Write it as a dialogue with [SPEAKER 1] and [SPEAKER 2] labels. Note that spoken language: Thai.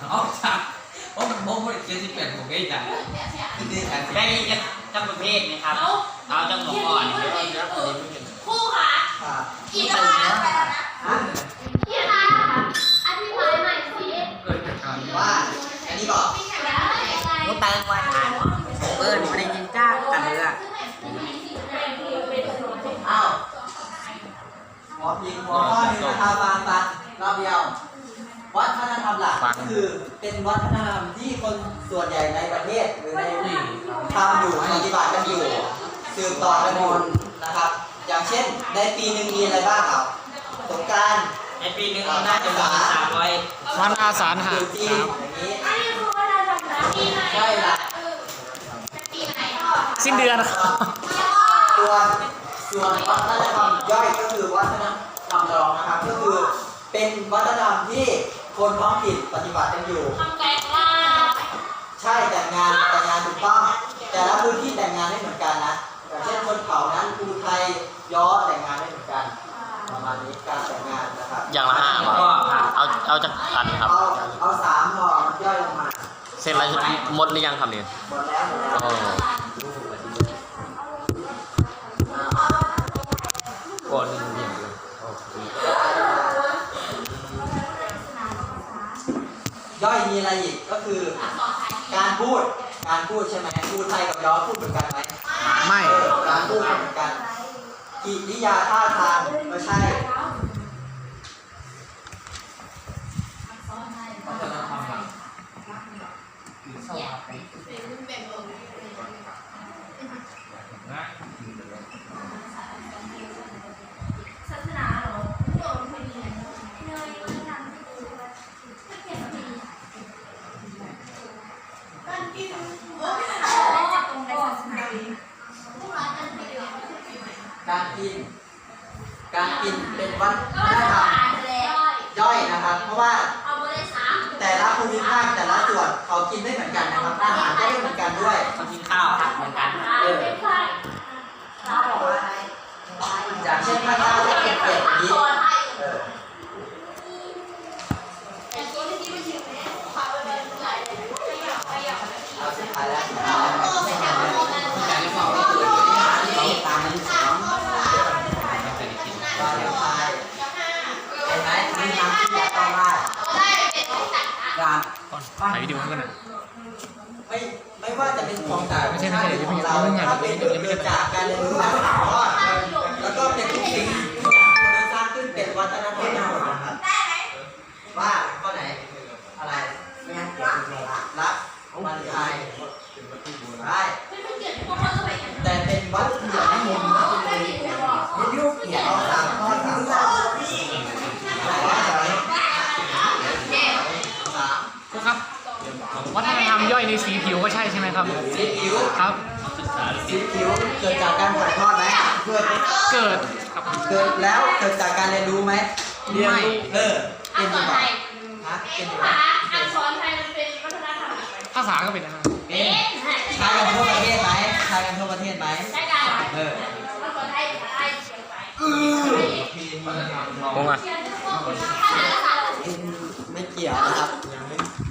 [SPEAKER 1] ออกจากเพราะมันโม้ไม่ได้เจ็ดสิบแปดผมเองจ้ะ
[SPEAKER 2] ได้จังประเภทไหมครับเอาจังหวะก่อน
[SPEAKER 3] คู่ค่ะอีกแล้วพี่คะอธิบายใหม่สิ
[SPEAKER 4] ว่าอันนี้บอก
[SPEAKER 2] มุตังวันอ่านเปิ้ลไม่ได้ยินจ้ากันเลยอ่ะ
[SPEAKER 4] อ้าวหัวพิงหัวข้อนี้นะครับฟังรอบเดียววัฒนธรรมหลักคือเป็นวัฒนธรรมที่คนส่วนใหญ่ในประเทศหรือในทำอยู่ปฏิบัติกันอยู่สืบต่อกันอยู่นะครับอย่างเช่นในปีหนึ่งมีอะไรบ้างครับสงกรานต์
[SPEAKER 2] ในปีหนึ่งน่าจะมี300
[SPEAKER 5] วันอาสาฬหะ
[SPEAKER 4] จีนอย่างนี้ใช่ละ
[SPEAKER 5] สิ้นเดือน
[SPEAKER 4] ส่วนวัฒนธรรมย่อยก็คือวัฒนธรรมรองนะครับก็คือเป็นวัฒนธรรมที่คนท้องถิ่นปฏิบัติกันอยู่ใช่แต่งงานถูกต้องแต่ละพื้นที่แต่งงานไม่เหมือนกันนะอย่างเช่นคนเขานั้นภูไทยย้อแต่งงานไม่เหมือนกันประมาณนี้การแต่งงานนะครับ
[SPEAKER 5] อย่างละ5ก็เอาจากอันครับ
[SPEAKER 4] เอา3พอมันย่อยลงมา
[SPEAKER 5] เสร็จแล้วหมดหรือยังครับเนี่ย
[SPEAKER 4] หมดแล้ว
[SPEAKER 5] ก่อน
[SPEAKER 4] ย่อยมีอะไรอีกก็คือการพูดใช่ไหมภูไทยกับย้อพูดเหมือนกันไหม
[SPEAKER 5] ไม่
[SPEAKER 4] การพูดเหมือนกันกิริยาท่าทางก็ใช่
[SPEAKER 1] วัฒนธรรมหลัก
[SPEAKER 3] ศาสนาเหรอโดนพอดีเนยการกินตรงในศาสนา
[SPEAKER 4] การกินเป็นวัฒนธรรมย่อยนะครับเพราะว่าแต่ละภูมิภาคแต่ละส่วนเขากินไม่เหมือนกันนะครับอาหารก็ไม่เหมือนกันด้วย
[SPEAKER 2] เขากินข้าวผักเหมือนกัน
[SPEAKER 4] อย่างเช่นภาคใต้จะเก็บเป็ดอย่างนี้เอาสุดท้ายแล้ว
[SPEAKER 1] แต่ที่บอกว่าเราตามนั้นสองไม่เคยได้กิน
[SPEAKER 4] วาเลนไทน์เห็นไหมมีน้ำที่แยกต้องได้การ
[SPEAKER 5] ถ่ายวิดีโอให้กันนะ
[SPEAKER 4] ไม่ว่าจะเป็นของต่าง
[SPEAKER 5] ไม่ใช่
[SPEAKER 4] ของเราถ้าเป็นเกิดจากการเรียนรู้การถ่ายทอดแล้วก็เป็นทุกสิ่งที่สร้างขึ้นเป็นวัฒนธรรมทั้งหมดนะครับว่าข้อไหนอะไรรักวาเลนไทน์ได้แต่เป็นวัตถุดิบที่มุมยุคเกี่ยวกับข้อ3ข้อ
[SPEAKER 5] ครับวัฒนธรรมย่อยในสีผิวก็ใช่ไหมครับ
[SPEAKER 4] สีผิว
[SPEAKER 5] ครับ
[SPEAKER 4] สีผิวเกิดจากการถ่ายทอดไหม
[SPEAKER 5] เกิดครับ
[SPEAKER 4] เกิดแล้วเกิดจากการเรียนรู้ไหม
[SPEAKER 5] เรียนรู้
[SPEAKER 4] เป็นดีกว่าเป็นดีกว่า
[SPEAKER 3] อักษรไทยมันเป็นวัฒนธรรม
[SPEAKER 5] ภาษาก็เป็นนะครับ
[SPEAKER 4] ใช้กันทั่วประเทศไหมใช้กันทั่วประเทศไหม
[SPEAKER 3] ใช่กันอักษรไทย
[SPEAKER 5] งงอ่ะ
[SPEAKER 4] ไม่เกี่ยว